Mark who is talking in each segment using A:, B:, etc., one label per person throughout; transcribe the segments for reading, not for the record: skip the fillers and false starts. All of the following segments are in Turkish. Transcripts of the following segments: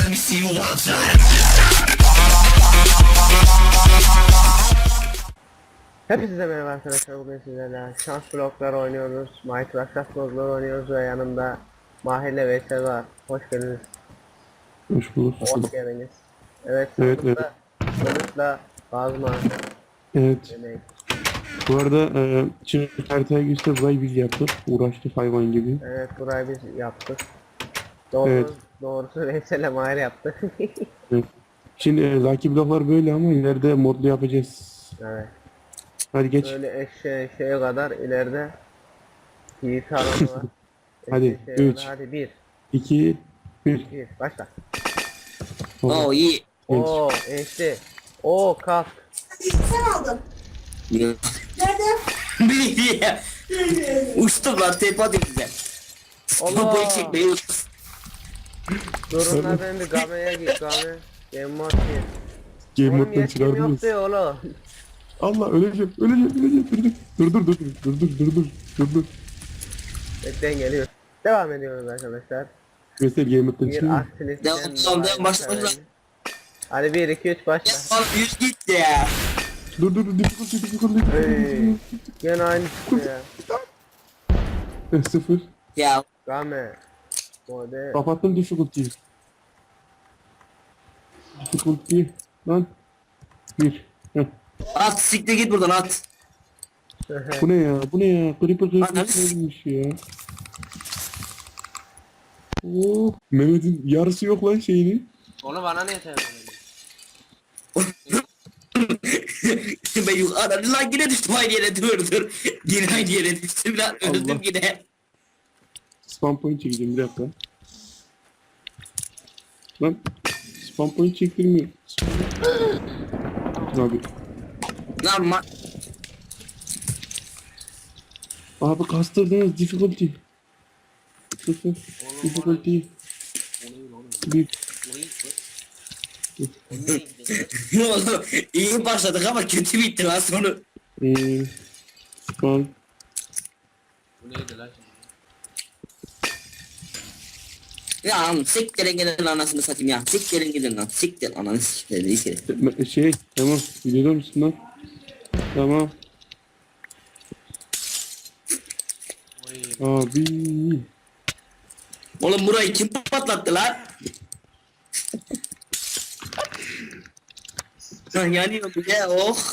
A: me see you one time.
B: Hepinize merhaba arkadaşlar, bugün sizlerle şans blokları oynuyoruz, Minecraft şans blokları oynuyoruz ve yanımda Mahir ile Veysel var. Hoş geldiniz.
C: Hoş bulduk.
B: Hoş geldiniz. Evet,
C: Evet,
B: sandıkta Kılıçla Kazma
C: Evet.
B: demek.
C: Bu arada şimdi haritaya geçti. Burayı biz yaptık. Uğraştık hayvan gibi.
B: Evet, burayı biz yaptık.
C: Evet.
B: Doğrusu Veysel ile Mahir yaptı.
C: Evet. Şimdi Lucky bloklar böyle ama ileride modlu yapacağız.
B: Evet.
C: Hadi geç.
B: Böyle şeye kadar ileride yiğit alanı var.
C: Hadi,
B: Eşeğe kadar.
C: 3.
B: Hadi 1
C: 2, 1.
B: 2 başla.
A: Oh iyi.
B: Oo eşli. Oo kalk.
D: Sen aldın. Nerede?
A: Bir uçtum lan tepe atayım size.
B: Allah.
A: Bu çekmeyi uçtum.
B: Durun lan, ben bir gameye git game. Game mod gir.
C: Game
B: Oğlum
C: moddan
B: yetkim yok
C: çıkardınız.
B: diyor oğlum.
C: Allah öleceğim. Dur. Dur.
B: Bekleyin geliyor. Devam ediyoruz arkadaşlar.
C: Mesela game moddan
B: Bir
C: çıkıyor.
B: aktivisten
A: Devam, başla.
B: Hadi 1 2 3 başla.
A: Bana 100 gitti ya.
C: Dur. Difficulty.
B: Hey. Gene aynı şey ya.
C: 0.
A: Ya
B: Game. Mode.
C: Kapattım difficulty. Difficulty. Lan. 1.
A: at siktir git buradan at.
C: Bu ne ya? Creeper
A: Ananı
C: neymiş ya? Oo, Mehmet'in yarısı yok lan şeyini.
B: Onu bana niye söylüyorsun?
A: Ben yukarıdan lan yine düştüm aynı yere dur. Yine aynı yere düştüm lan öldüm
C: Allah.
A: yine.
C: Spam point çekeceğim bir dakika. Lan spam point çektirmiyor. Abi.
A: Lan
C: Abi kastırdınız difficulty. 0. Difficulty. 1.
A: oğlum iyi başladık ama kötü bitti lan sonu.
C: Spam.
B: Bu neydi lan şimdi?
A: Ya siktirin gidin anasını satayım ya. Siktirin gidin lan. Siktir ananı siktirin.
C: Şey tamam. Videoda mısın lan? Tamam. Abi.
A: Oğlum burayı kim patlattı lan? Yanıyor bu ya oh.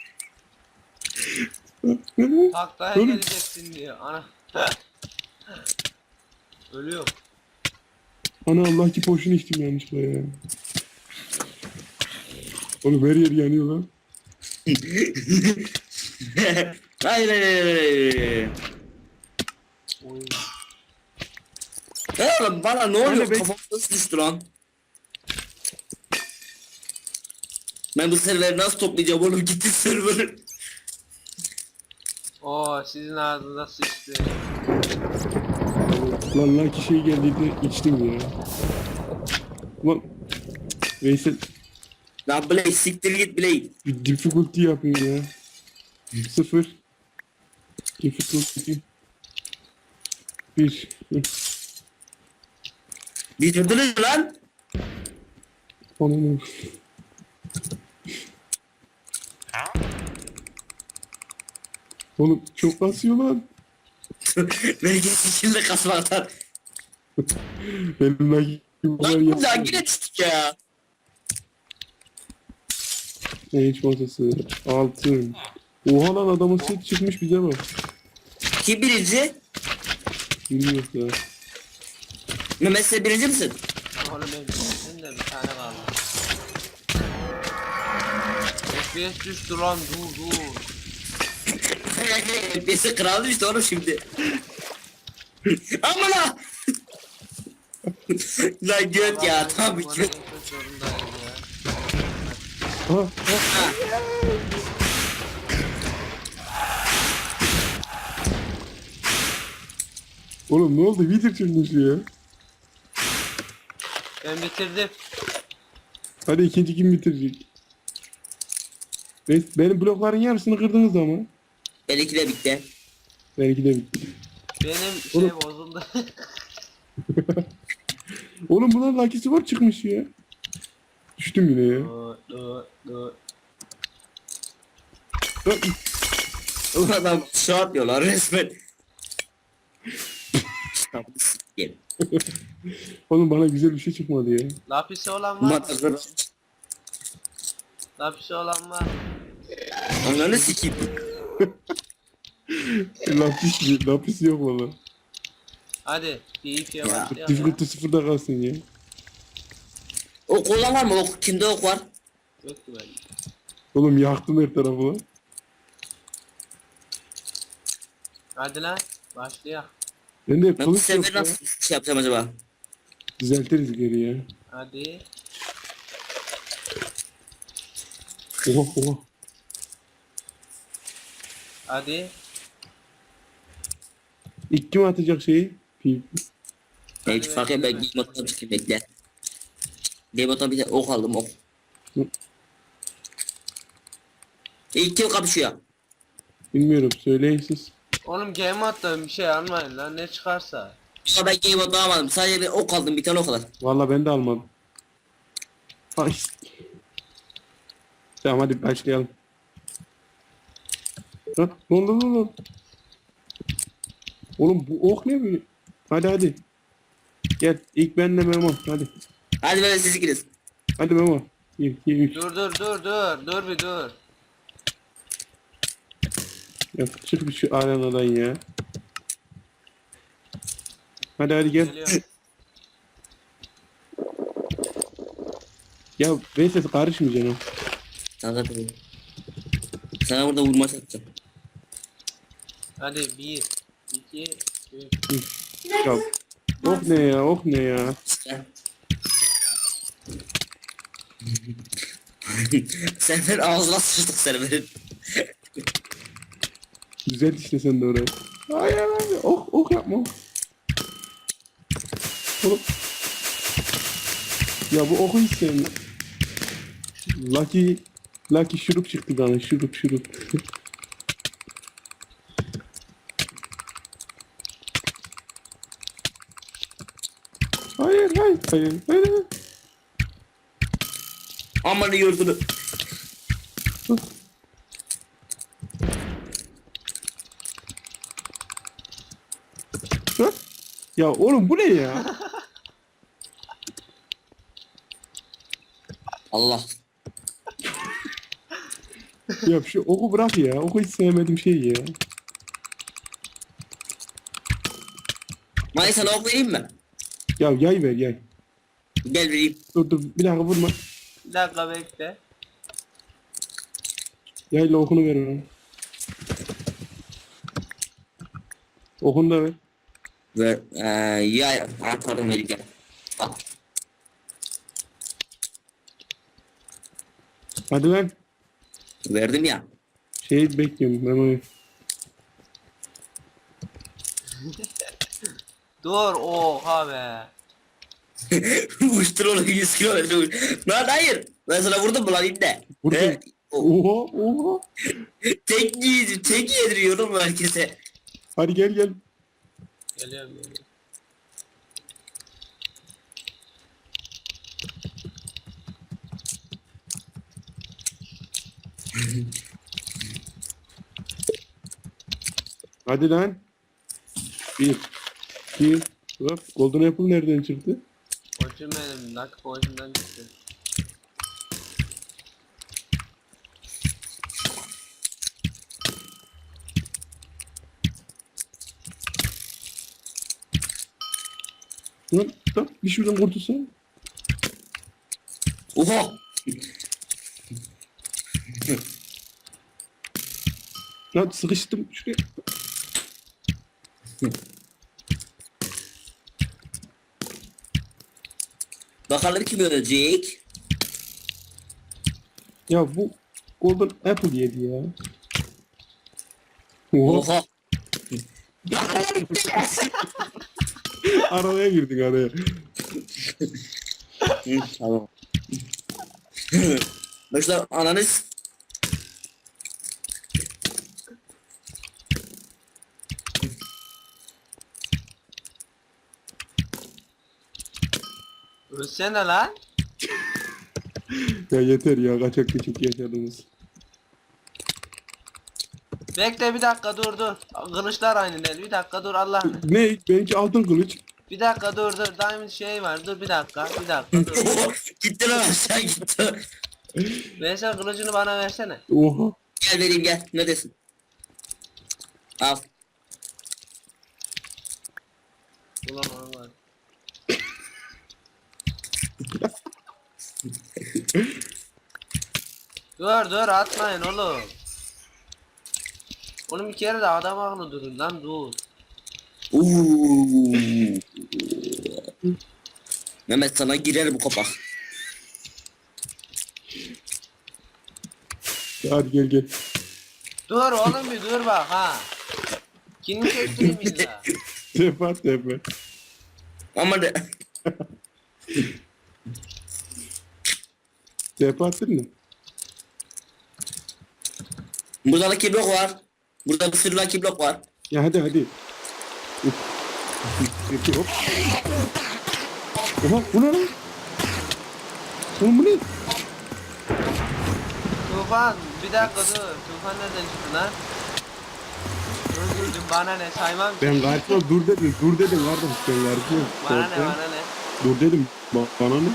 B: Taklaya
C: Oğlum.
B: geleceksin diyor. Ana. Ölüyor.
C: Ana Allah ki poşun içtim yanlışlıkla ya. Oğlum her yer yanıyor lan.
A: Hayır.
B: Oy.
A: Oğlum bana ne oluyor?
C: Hadi be.
A: Kafam nasıl düştü lan? Ben bu serveri nasıl toplayacağım oğlum gitti server.
B: Oo sizin ağzınıza sıçtı.
C: Lan lan ki şey geldiydi içtim ya. Lan Veysel
A: Lan Blade siktir git Blade.
C: bir difficulty yapıyor ya. 0. Difficulty. 1.
A: Bitirdiniz lan.
C: Anam. Oğlum çok kasıyor lan.
A: Belki şimdi kasmaktan.
C: Benim like
A: Lan bir daha yine düştük ya.
C: hiç masası. 6. Oha lan adamın set çıkmış bize bak.
A: Kim birinci?
C: Bilmiyorum ya.
A: Mehmet sen birinci misin?
B: Oğlum ben bitirdim de bir tane kaldı. FPS düştü lan, dur.
A: Birisi kral düştü oğlum şimdi. Aman ha. Lan göt ya tam bir göt.
C: Ha,
A: Ha.
C: oğlum ne oldu? Video çıkmış ya.
B: Ben bitirdim.
C: Hadi ikinci kim bitirecek? Benim blokların yarısını kırdınız ama.
A: Benimki de bitti.
C: Belki de bitti.
B: Benim şey bozuldu.
C: Oğlum bunların Lucky var çıkmış ya. Düştüm yine ya.
B: Dur.
A: O adam şu atıyorlar resmen. Tamam, sikeyim.
C: Oğlum bana güzel bir şey çıkmadı ya.
B: Lapisi olan var mı?
A: Matakları.
B: Lapisi olan var.
A: Ananı sikeyim.
C: Lapis yok valla.
B: Hadi PvP'ye
A: Ya.
B: başlayalım ya.
C: Difficulty sıfırda kalsın ya.
A: Ok olan var mı? Ok. Kimde ok var?
B: Yok ki böyle.
C: Oğlum yaktım her tarafı lan.
B: Hadi lan başlayalım.
C: Ben de
A: Ben bu
C: kılıç yok
A: sefer
C: ya.
A: nasıl şey yapacağım acaba?
C: Düzeltiriz geri ya.
B: Hadi.
C: Oha.
B: Hadi.
C: İlk kim atacak şeyi? Pip.
A: Hiç fark yok. Ben game mode'dan çıkayım bekle. Game mode'dan bir de ok aldım ok.
C: Hı.
A: İlk kim kapışıyor?
C: Bilmiyorum söyleyin siz.
B: Oğlum game modda bir şey almayın lan ne çıkarsa.
A: Ya ben game mode'dan almadım. Sadece bir ok aldım. Bir tane ok aldım.
C: Valla ben de almadım. Ay. Tamam hadi başlayalım. Lan lan. Oğlum bu ok ne böyle? Hadi. Gel ilk benle Memo hadi.
A: Hadi ben siz ikiniz.
C: Hadi Memo. 1, 2, 3.
B: Dur bir dur.
C: Ya çık bir şu arenadan ya. Hadi gel.
B: Geliyor.
C: Ya Veysel karışmayacaksın.
A: Sana zaten. Sana burada vurma yapacağım.
B: Hadi 1 2 3.
C: Ya ok ne ya.
A: İşte. Sefer ağzına sıçtık Server'in.
C: Güzel işte sen de oraya. Hayır abi ok yapma. Oğlum. Ya bu oku hiç sevmiyorum. Lucky şurup çıktı bana şurup. Hayır.
A: Aman yurdunu.
C: Hı? Ya oğlum bu ne ya?
A: Allah.
C: Ya şu oku bırak ya. Oku hiç sevmediğim şey ya.
A: May sana ok vereyim mi?
C: Ya yay ver yay.
A: Gel vereyim.
C: Dur bir dakika vurma.
B: Bir dakika bekle.
C: Yayla okunu ver bana. Okunu da ver.
A: Ver. Ya pardon vereceğim. Bak.
C: Hadi lan.
A: Verdim ya.
C: Şeyi bekliyorum Memo'yu.
B: Dur oha be.
A: Uçtur onu 100 kilometre uç. Lan hayır. Ben sana vurdum mu lan inde?
C: Vurdun.
A: He? O-
C: Oha.
A: Tek yediriyorum herkese.
C: Hadi gel.
B: Geliyorum.
C: Hadi lan. 1, 2, hop. Golden Apple nereden çıktı?
B: Koçum benim Lucky Potion'dan çıktı.
C: Lan tamam bir şuradan kurtulsan.
A: Oha.
C: Lan sıkıştım şuraya.
A: Bakalım kim ölecek?
C: Ya bu Golden Apple yedi ya. Oha.
A: Oha.
C: Araya girdik araya.
A: Hı, tamam. Başla ananız.
E: Ölsene lan.
C: Ya yeter ya, kaçak küçük yaşadınız.
E: Bekle bir dakika dur. Kılıçlar aynı değil. Bir dakika dur Allah.
C: Ne? Benimki altın kılıç.
E: Bir dakika dur. Diamond şey var. Dur bir dakika. Dur.
A: Gitti lan aşağı gitti.
E: Veysel kılıcını bana versene.
C: Oha.
A: Gel vereyim gel. Ne desin? Al.
E: Ulan ona var. Dur atmayın oğlum. Oğlum bir kere de adam akıllı durun lan dur.
A: Uuu. Mehmet sana girer bu kapak.
C: Hadi gel gel.
E: Dur oğlum bir dur bak ha. Kimi çektireyim illa.
C: Tepe tepe.
A: Ama de...
C: Tepe attın mı?
A: Burada Lucky Block var. Burada bir sürü Lucky Block var.
C: Ya hadi hadi. Hop. Oha bu ne lan? Oğlum bu ne?
E: Tufan bir dakika dur. Tufan nereden çıktı lan? Öldürdüm bana ne saymam ki.
C: Ben karşıma dur dedim kardeş ben karşıma.
E: Bana ne.
C: Dur dedim bana ne?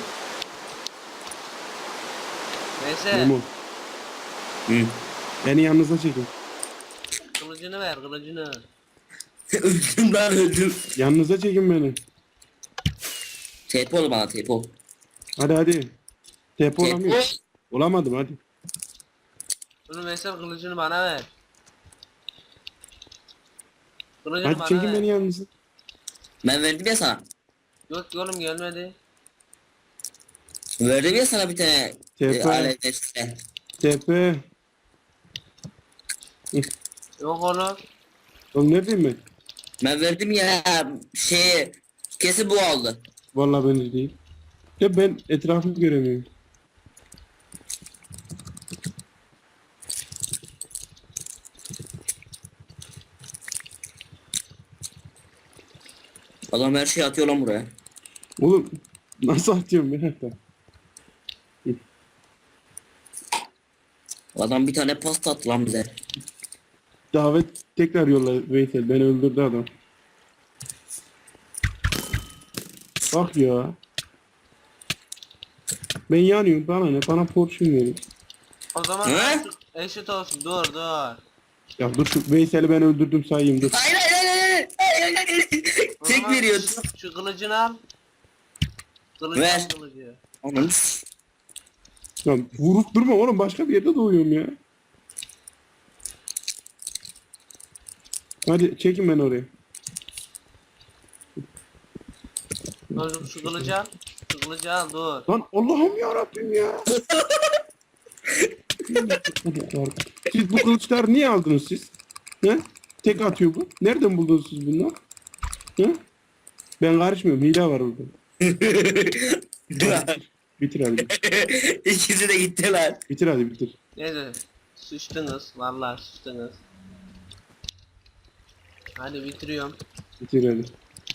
E: Neyse
C: Memo
A: Hı.
C: beni yanınıza çekin.
E: kılıcını ver kılıcını.
A: Öldüm lan öldüm.
C: Yanınıza çekin beni.
A: TP ol bana TP ol.
C: Hadi. Tepe olamıyor.
A: TP.
C: Olamadım hadi.
E: Bunu Veysel kılıcını bana ver. Kılıcını
C: Hadi
E: bana
C: çekin
E: ver.
C: beni yanınıza.
A: Ben verdim ya sana.
E: Yok oğlum gelmedi.
A: Verdim ya sana bir tane
C: TP.
A: alet işte.
C: Tepe.
E: Yok oğlum.
C: Oğlum ne diyeyim ben?
A: Ben verdim ya şey kesin bu oldu.
C: Vallahi ben de değil. Ya ben etrafımı göremiyorum.
A: Adam her şeyi atıyor lan buraya.
C: Oğlum nasıl atıyorum ben hatta?
A: Adam bir tane pasta attı lan bize.
C: Davet tekrar yolla Veysel, beni öldürdü adam. Bak ya. Ben yanıyorum, bana ne, bana portion verin.
E: O zaman
A: He?
E: eşit olsun dur.
C: Ya dur şu Veysel'i ben öldürdüm sayayım dur.
A: Hayır hayır hayır hayır. Hayır, hayır.
E: O
A: Tek
E: zaman
A: veriyor.
E: Şu kılıcını al.
A: Ver.
E: Al kılıcı.
A: Anam.
C: Ya vurup durma oğlum, başka bir yerde doğuyorum ya. Hadi çekin beni oraya.
E: Dur şu kılıcı al. Şu kılıcı al dur.
C: Lan Allah'ım ya Rabbim ya. Siz bu kılıçları niye aldınız siz? He? Tek atıyor bu. Nereden buldunuz siz bunları? He? Ben karışmıyorum. Hile var orada. Bitir hadi.
A: İkisi de gitti lan.
C: Bitir hadi bitir.
E: Neyse. Sıçtınız. Vallahi sıçtınız. Hadi bitiriyorum.
C: Bitir hadi.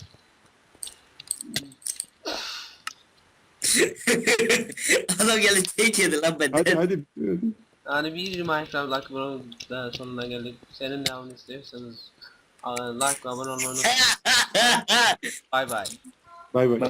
A: Adam geldi tek yedi lan benden.
C: Hadi hadi bitir hadi.
E: Yani bir Minecraft Lucky Bros sonuna geldik. Senin devamını istiyorsanız like ve abone olmayı unutmayın. Bay bay.
C: Bay bay.